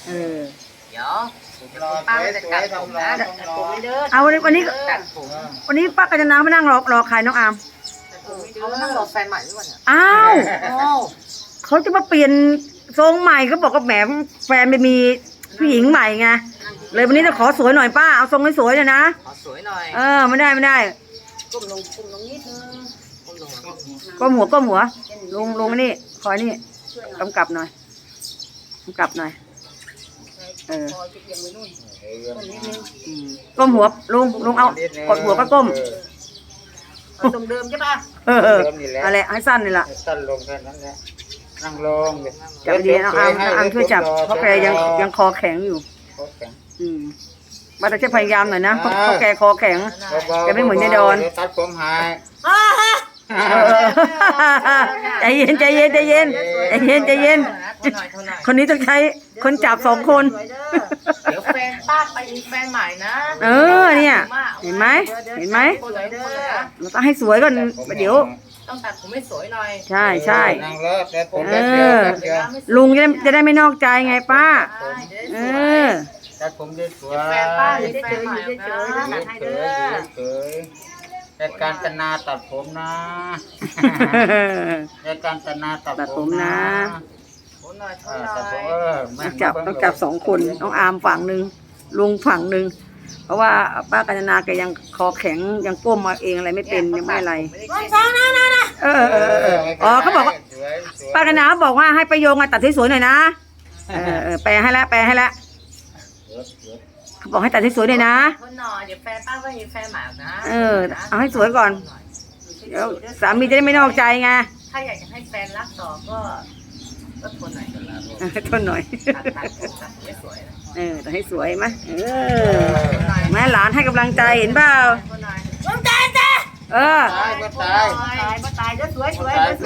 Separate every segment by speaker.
Speaker 1: เออ
Speaker 2: เดี๋ยวป้าจะตัดผมนะ
Speaker 1: เอาวันนี้
Speaker 2: ตัดผม
Speaker 1: วันนี้ป้ากัญจนามานั่งรอใครน้องอาม
Speaker 2: เขานั่งรอแฟนใหม่ด้วยเนี่ย
Speaker 1: อ้าวเขาจะมาเปลี่ยนทรงใหม่เขาบอกกับแหมแฟนไปมีผู้หญิงใหม่ไงเลยวันนี้จะขอสวยหน่อยป้าเอาทรงให้สวยเลยนะ
Speaker 2: ขอสวยหน่อย
Speaker 1: ไม่ได้
Speaker 2: ก้มลงนิดนึง
Speaker 1: ก้มหัวลงนี่คอยนี่กำกับหน่อยก้มหัวลุงเอากดหัวก็ก้ม
Speaker 2: ตรงเดิมใช่ป่ะ
Speaker 1: อะไรให้สั้นนี่แหละ
Speaker 3: สั้นลงแค่นั้นแหละนั่งลง
Speaker 1: จับดีน้องอามช่วยจับเพราะแกยังคอแข็งอยู่มาแต่จะพยายามหน่อยนะเพราะแกคอแข็งแกไม่เหมือนยายดอน
Speaker 3: ตัดผมหาย
Speaker 1: ใจเย็นคนนี้ต้องใช้คนจับ2 คน
Speaker 2: เดี๋ยวแฟนป้าไปมีแฟนใหม่นะ
Speaker 1: เนี่ยเห็นไหมเราต้องให้สวยก่อนเดี๋ยว
Speaker 2: ต้องตัดผมให้สวยหน่อย
Speaker 1: ใช่
Speaker 3: นั่งแล้วแต่ผม
Speaker 1: ลุงจะได้ไม่นอกใจไงป้า
Speaker 3: ตัดผมได้สวย
Speaker 2: แฟนป้ามีแฟนใหม่นะ
Speaker 3: เฉยแต่การตนาตัดผมนะแต่การตนาตัดผมนะ
Speaker 1: ต้องจับ2 คนน้องอามฝั่งหนึ่งลุงฝั่งหนึ่งเพราะว่าป้ากัญจนาแกยังคอแข็งยังก้มมาเองอะไรไม่เป็นยังไม่อะไรเขาบอกว่าป้ากัญจนาบอกว่าให้ประโยงตัดสวยๆหน่อยนะแปลให้แล้วเขาบอกให้ตัดสวยๆหน่อยนะ
Speaker 2: คนหน่อยเดี๋ยวแฟนป้าก็มีแฟนใหม่นะ
Speaker 1: เอาให้สวยก่อนเดี๋ยวสามีจะได้ไม่นอกใจไง
Speaker 2: ถ้าอยากจะให้แฟนรักต่อก็ทนหน่อยตัดให้สวย
Speaker 1: ตัดให้สวยไหมแม่หลานให้กำลังใจเห็นเปล่า
Speaker 2: ตายจ้ะ
Speaker 3: ตาย
Speaker 2: จะสวย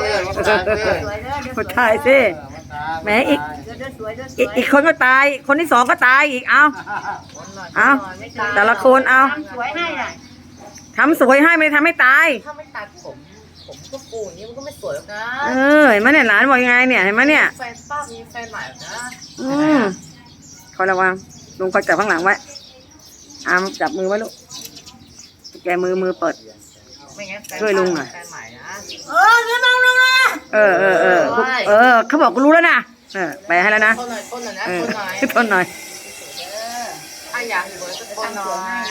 Speaker 1: ตายสิแม่อีกคนก็ตายคนที่2ก็ตายอีกเอาแต่ละคนเอาทำสวยให้ไม่ทำให้ตาย
Speaker 2: ถ้าไม่ตัดผมก็ปูนี้มันก็ไม่สวยหรอกนะ
Speaker 1: เห็นไหมเนี่ยหลานบอกยังไงเนี่ยเห็นไหมเนี่ย
Speaker 2: แฟนป้ามีแฟนใหม่นะ
Speaker 1: คอยระวังลุงคอยจับข้างหลังไว้อามจับมือไว้ลูกแกมือเปิดช่วยลุงหน่อยเขาบอกกูรู้แล้วนะไปให้แล้วนะทนหน่อย
Speaker 2: ถ้าอยากสวยก็ทนหน่อย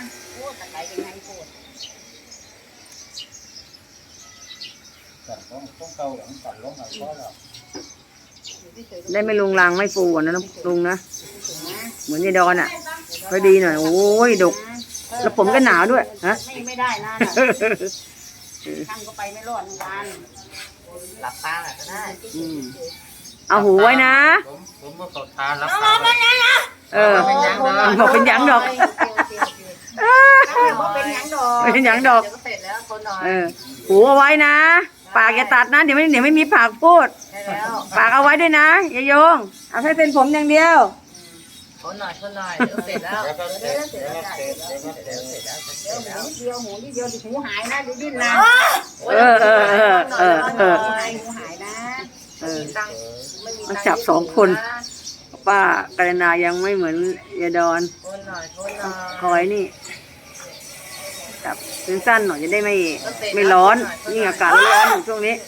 Speaker 1: ได้ไม่ลุงลังไม่ฟูนะลุงนะเหมือนยายดอนอ่ะพอดีหน่อยโอ้ยดกแล้วผมก็หนาวด้วยฮะ
Speaker 2: ไม่ได้นะทำก็ไปไม่รอดวันหลับตาก็ได้
Speaker 1: เอาหูไว้นะ
Speaker 3: ผมก็ตาหลับตา
Speaker 1: บอกเป็นยังดอก
Speaker 2: เป็นยังดอก
Speaker 1: หูเอาไว้นะปากอย่าตัดนะเดี๋ยวไม่มีปากพูดปากเอาไว้ด้วยนะอย่าโยงเอาแค่เส้นผมอย่างเดียว
Speaker 2: ทนหน่อยเสร็จแล้วหมูนิดเดียวหูหายนะดูดิ้นนะ
Speaker 1: หูหายนะมันจับ2 คนป้ากัญจนายังไม่เหมือนยายดอนคอยนี่จับสั้นๆหน่อยจะได้ไม่ร้อนนี่อากาศร้อนอยู่ช่วงนี้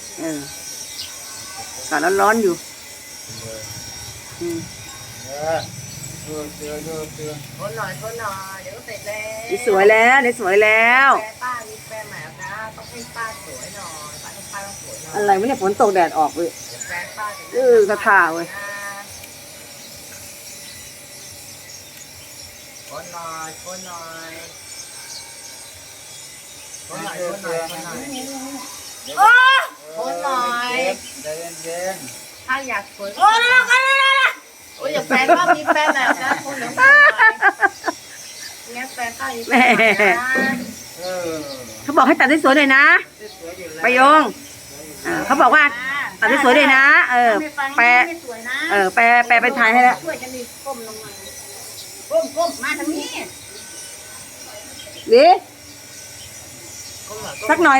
Speaker 1: อากาศร้อนอยู่
Speaker 2: ทนหน่อยเดี๋ยวก็เสร็จแล้ว
Speaker 1: สวยแล้ว
Speaker 2: แฟนป้ามีแฟนใหม่นะต้องให้ป้าสวยหน่อยป้าต้องสวยหน่อย
Speaker 1: อะไรไม่เนี่ยฝนตกแดดออกเลย
Speaker 2: แฟนป้า
Speaker 1: กระถ่าเว้ย
Speaker 2: ทนหน่อยถ้าอยากสวยอย่าแฟนป้ามีแฟนแบบนะคนเหลือเนี่ยแฟนป้ามีแฟนนะ
Speaker 1: เขาบอกให้ตัดสวยๆหน่อยนะประโยงเขาบอกว่าตัดสวยๆเลยนะแปลเป็นไทยให้แล้ว
Speaker 2: ก้มมาทางนี้
Speaker 1: ดิสักหน่อย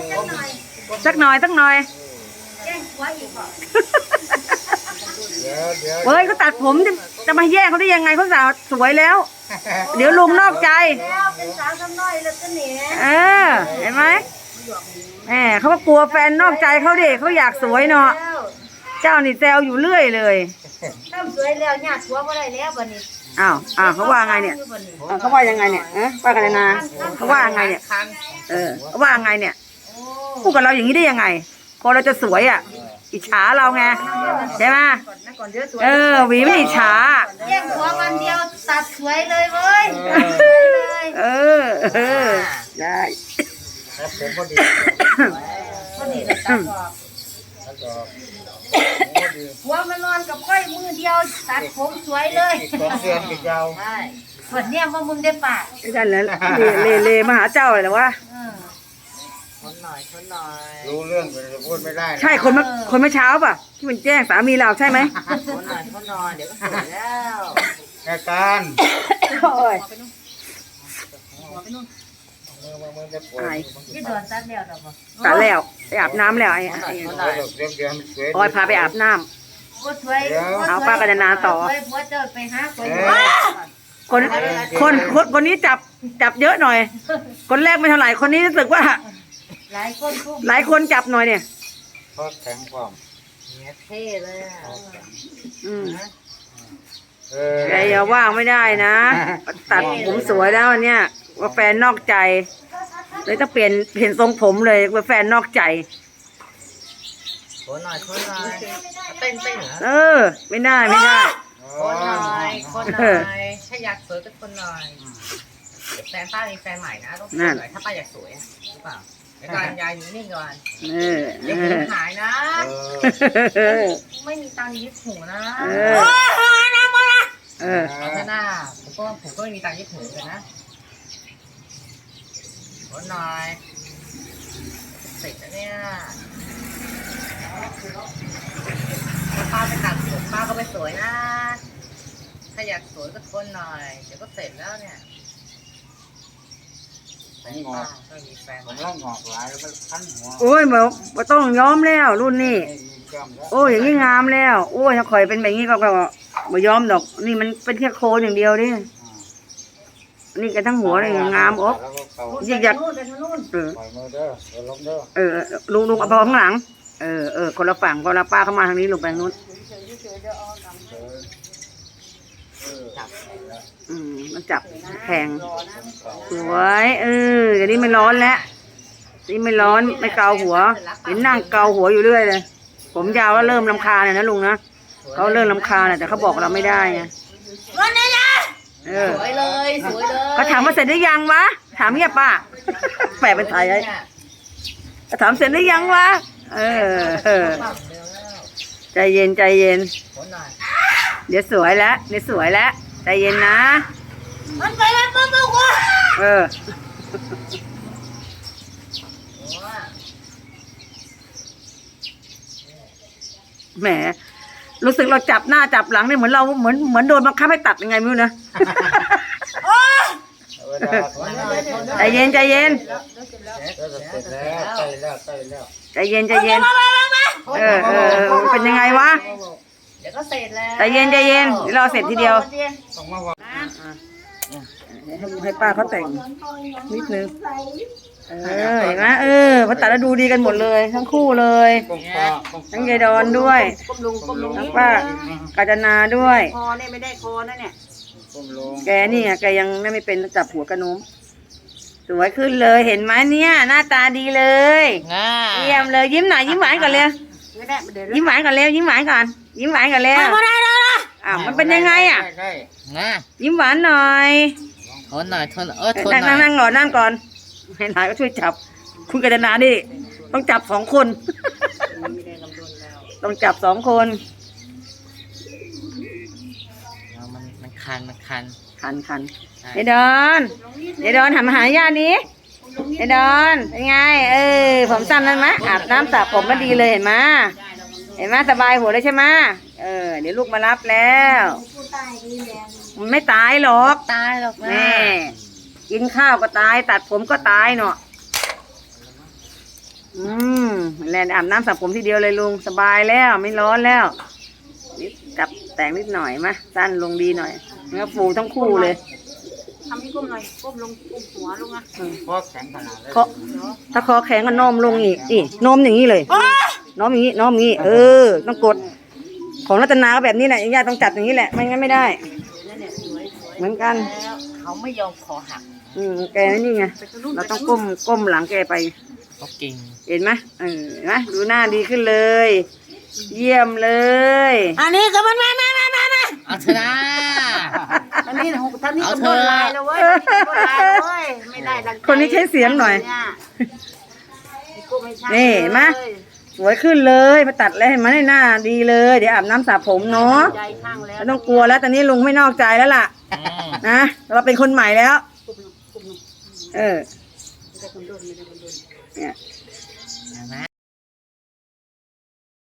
Speaker 1: แจ้งหัวอีกเหรอเฮ้ยเขาตัดผมจะมาแย่งเขาได้ยังไงเขาสาวสวยแล้ว เดี๋ยวลุงนอกใจ
Speaker 2: แล้วเป็นสาวซ้ำน้อยแล้วก็หนี
Speaker 1: เออเห็นไหมแหมเขาก็กลัวแฟนนอกใจเขาดิเขาอยากสวยเนาะเจ้านี่แซวอยู่เรื่อยเลย
Speaker 2: ทำสวยแล้วญาติผัวบ่ได้แล้วบัดนี้
Speaker 1: อ้าวเขาว่าไงเนี่ยเขาว่ายังไงเนี่ยป้ากันนาเขาว่ายังไงเนี่ยเขาว่ายังไงเนี่ยพูดกับเราอย่างนี้ได้ยังไงพอเราจะสวยอ่ะอิจฉาเราไงใช่ไหมหวีไม่อิจฉา
Speaker 2: แย่งผัววันเดียวตัดสวยเลยเว้ย
Speaker 1: เออได้
Speaker 3: ครับผมพอดี
Speaker 2: พอดีเลยตัดออก
Speaker 3: แล้วก็พอดี
Speaker 2: ผัวมานอนกับค่อยมือเดียวตัดผมสวยเลย
Speaker 3: อีก2 เดือนอีกยาว
Speaker 2: ใช่ส่วนเนี้ยว่ามึงได้ปาก
Speaker 1: ได้แล้วเลมาหาเจ้าเลยเหรอวะ
Speaker 2: คนหน่อยคนหน่อย
Speaker 3: รู้เรื่องแต่พูดไม่ได้นะ
Speaker 1: ใช่คนเมื่อเช้าป่ะที่มันแจ้งสามีเราใช่ไหม
Speaker 2: คนหน่อยคนหน่อยเดี๋ยวก็สวยแล้ว
Speaker 3: แค่การ
Speaker 1: โอ้ย
Speaker 3: มือจะปวด
Speaker 2: ยี่โดนตัดแล้วหรอปะ
Speaker 1: ตัดแล้วไปอาบน้ำแล้วไอ้
Speaker 3: เดี๋ยวมันสวย
Speaker 1: ออยพาไปอาบน้ำ
Speaker 2: ก็สวย
Speaker 1: เอาป้ากันนาต่อ
Speaker 2: สวยผัวเจ้าไปหาสวย
Speaker 1: คนนี้จับเยอะหน่อย คนแรกไม่เท่าไหร่คนนี้รู้สึกว่า
Speaker 2: หลายคนคุ้ม
Speaker 1: หลายคนจับหน่อยเนี่ย
Speaker 3: เพราะแข็งความ
Speaker 2: เนี่ยเท่เลยอ่ะ
Speaker 1: แกอย่าว่างไม่ได้นะ ตัดผมสวยแล้วเนี่ยว่าแฟนนอกใจเลยต้องเปลี่ยนทรงผมเลยว่าแฟนนอกใจ
Speaker 2: คนหน่อยคนหน่อยเต้นเหรอ
Speaker 1: ไม่ได้
Speaker 2: คนหน่อยถ้าอยากสวยก็คนหน่อยแฟนป้ามีแฟนใหม่นะต้องสวยถ้าป้าอยากสวยหรือเปล่าเดี๋ยวก่อนยายอยู่นิ่งก่อนเดี๋ยวผมหายนะไม่มีตังค์ยึดหูนะเอาเถอะหน้าผมก็ไม่มีตังค์ยึดหูกันนะคนหน่อยเสร็จแล้วเนี่ยถ้าป้าไปตัดผมป้าก็ไปสวยนะถ้าอยากสวยก็ทนหน่อยเดี๋ยวก็เสร็จแล้วเนี่ย
Speaker 3: งอก
Speaker 2: ก็มีแฟน
Speaker 3: ผมร่างงอกหลายแล้วมันคันหัว
Speaker 1: โอ้ยมาต้องย้อมแล้วรุ่นนี้
Speaker 3: มีกล้ามแล้ว
Speaker 1: โอ้ยอย่างนี้งามแล้ว โอ้ยถ้าข่อยเป็นแบบนี้ก็ไม่ย้อมดอก นี่มันเป็นแค่โคนอย่างเดียวดินี่กันทั้งหัวเลยงามอ๊บ
Speaker 3: แล้วก็เขา
Speaker 1: อยาก
Speaker 2: นู่นไปทางนู่น
Speaker 3: ปล่อยมือเด้อเดี๋ยวล้มเด้อ
Speaker 1: ลุงเอาพอข้างหลังคนละฝั่งคนละป้าเข้ามาทางนี้ลงไปทางนู้นมันจับแข็งสวยอย่างนี้ไม่ร้อนแล้วนี่ไม่ร้อนไม่เกาหัวเห็นนั่งเกาหัวอยู่เรื่อยเลยผมยาวแล้วเริ่มรำคาญนะลุงนะเขาเริ่มรำคาญแต่เขาบอกเราไม่ได้ไง
Speaker 2: วันนี้นะสวยเลยสวยเลย
Speaker 1: เขาถามว่าเสร็จหรือยังวะถามเงียบป้าแปลเป็นไทยไอ้ถามเสร็จหรือยังวะใจเย็นเดี๋ยวสวยแล้วใจเย็นนะ
Speaker 2: มันไปแล้วปุ๊บปุ๊บวะ
Speaker 1: แหมรู้สึกเราจับหน้าจับหลังเนี่ยเหมือนโดนบังคับให้ตัดยังไงไม่รู้นะใจเย็น
Speaker 3: เสร็จแล้วใกล้แล้ว
Speaker 1: ใจเย็นเป็นยังไงวะ
Speaker 2: เดี๋ยวก็เสร็จแล้ว
Speaker 1: ใจเย็นเดี๋ยวเราเสร็จทีเดียว
Speaker 3: ต้องมาว่า
Speaker 1: ให้ป้าเขาแต่งนิดนึงเห็นไหมพอตัดแล้วดูดีกันหมดเลยทั้งคู่เลยทั้งยายดอนด้วยทั้งป้ากาญจนาด้วยคอเนี่ยไม่ได้คอนะเนี่ยแกนี่แกยังไม่เป็นจับหัวกระนุ้มสวยขึ้นเลยเห็นไหมเนี่ยหน้าตาดีเลยเยี่ยมเลยยิ้มหน่อยยิ้มหวานก่อนเลยยิ้มหวานก่อนเร็วยิ้มหวานก่อนเร็วมันเป็นยังไงอ่ะยิ้มหวานหน่อย
Speaker 2: ทนหน่อยทนหน่อย
Speaker 1: นั่งก่อนให้หลานก็ช่วยจับคุณกาญจนาดิต้องจับ2 คนต้องจับ2 คน
Speaker 2: มันคัน
Speaker 1: ยายดอนหันมาหาญาตินี้ยายดอนเป็นไงผมสั้นแล้วมั้ยอาบน้ำสระผมแล้วดีเลยเห็นไหมสบายหัวเลยใช่ไหมเดี๋ยวลูกมารับแล้วมันไม่ตายหรอกแม่กินข้าวก็ตายตัดผมก็ตายเนาะแลนอาบน้ำสระผมทีเดียวเลยลุงสบายแล้วไม่ร้อนแล้วนิดกับแต่งนิดหน่อยมาสั้นลงดีหน่อยเนื้อปูทั้งคู่เลย
Speaker 4: ทำให้ก้มหน่อยก้มลงก้มหัวลงอ่ะ
Speaker 3: เพราะแข็งขนาดเลย
Speaker 1: เคาะถ้าคอแข็งก็โน้มลงอีกนี่โน้มอย่างนี้เลยโน้มอย่างนี้โน้มอย่างนี้ต้องกดของรัตนาก็แบบนี้แหละญาติต้องจัดอย่างนี้แหละไม่งั้นไม่ได้
Speaker 4: นั่นเนี่ยสวย
Speaker 1: เหมือนกัน
Speaker 4: แล้วเขาไม่ยอมคอหัก
Speaker 1: แกนี่ไงเราต้องก้มหลังแกไป
Speaker 2: ก็กิ่ง
Speaker 1: เห็นไหมเห็นไหมดูหน้าดีขึ้นเลย เยี่ยมเลย
Speaker 4: อันนี้ก็มันมา
Speaker 2: เอาเถอะนะ
Speaker 4: อันนี้ท่านนี้
Speaker 2: เอา
Speaker 4: ก็
Speaker 2: เถ
Speaker 4: บ
Speaker 2: อะ
Speaker 4: นลายแล้วเว้ยบนลายแล้วเว้ยไม่ได้ดังใจ
Speaker 1: คนนี้ใช้เสียงหน่อย
Speaker 4: ก็ไม่ใช่
Speaker 1: นี่เห็นไหม สวยขึ้นเลยมาตัดแล้วเห็นไหมหน้าดีเลยเดี๋ยวอาบน้ำสระผมเนาะ
Speaker 4: ใจข้างแล้ว
Speaker 1: ไม่ต้องกลัวแล้วตอนนี้ลุงไม่นอกใจแล้วล่ะ
Speaker 2: อืม
Speaker 1: นะเราเป็นคนใหม่แล้ว
Speaker 4: กุบลง
Speaker 1: เออ
Speaker 4: ไม่ได้คนโดนไม่ได้คนโดน
Speaker 1: เนี่ย